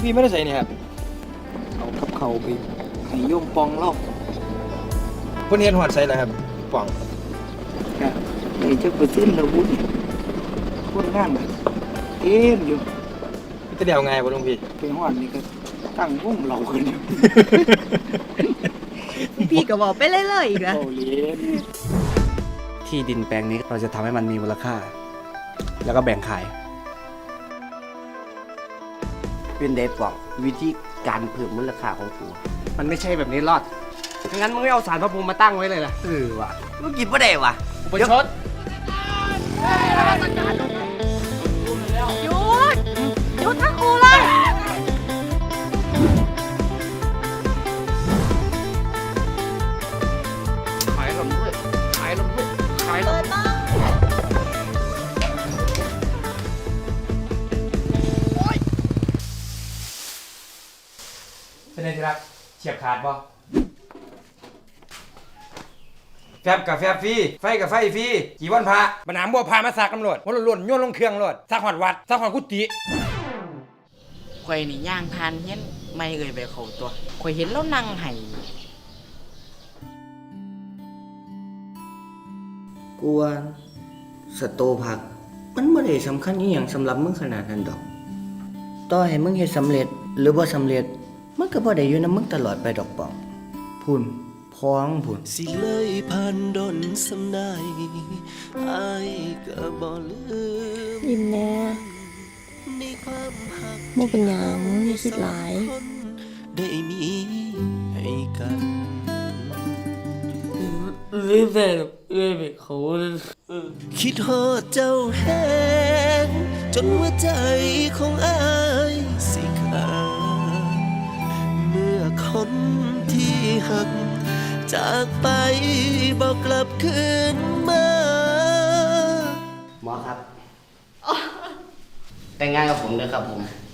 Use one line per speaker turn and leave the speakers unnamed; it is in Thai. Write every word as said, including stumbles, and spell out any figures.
พี่ไม่ได้ใส่นี่ครับ
เอากับเขาไปให้โยมปองเล่า
เพิ่นเฮ็ดฮอดใส่แล้วครับป่อง
ครับในจักเปอร์เซ็นต์แล้วบุญคนงานน่ะเต็มอยู่
จะเดียวไงบ่หลวงพี่
ไปฮอดนี่ก็ตั้งวงเหล่ากันอยู่
พี่ก็บอกไปเรื่อยๆอีกนะ
เอาเลี้ยน
ที่ดินแปลงนี้เราจะทำให้มันมีมูลค่า แล้วก็แบ่งขาย
เป็นได้บอกวิธีการเพิ่มมูลค่าของกู
มันไม่ใช่แบบนี้รอดงั้นมึงไม่เอาสารพระภูมิมาตั้งไว้เลยล่ะเออว่ะ
มึงกินบ่ได้วะ
อุปชฌ
หยุดหยุดทั้งคู่เลย
ขายลมด้วยขายลมด้วยขายลมเป็นไงที่รักเฉียบขาดบ่
แฟบกับแฟบฟรีไฟกับไฟฟรีกี่วันพระบนามบ่พามาซักตำรวจหัวล้วนๆโยนลงเครื่องรถซักฮอดวัดซักฮอดกุฏิ
ข่อยนี่ย่างทานเฮียนไม่เอ่ยไปเขาตัวข่อยเห็นแล้วนั่งไห้
กูว่าสโตผัก มันบ่ได้สำคัญอีหยังสำหรับมึงขนาดนั้นดอก ต่อให้มึงเฮ็ดสำเร็จหรือบ่สำเร็จ มันก็บ่ได้อยู่นำมึงตลอดไปดอกปองพูนพ้องพูน
สิเลยผ่านดนสำนายอายก็บ่ลืม
ยิ้มแน่
ในความหัก
บ่เป็นหยังอย่าคิดหลาย
คนได้มีให้กัน
เลยแต่เอ่ยไปเขา
คิดฮอดเจ้าแห้งจนหัวใจของอายสิขาดเมื่อคนที่หัก จากไปบอกกลับคืนมา
หมอครับ แต่งงานกับผมเลยครับผม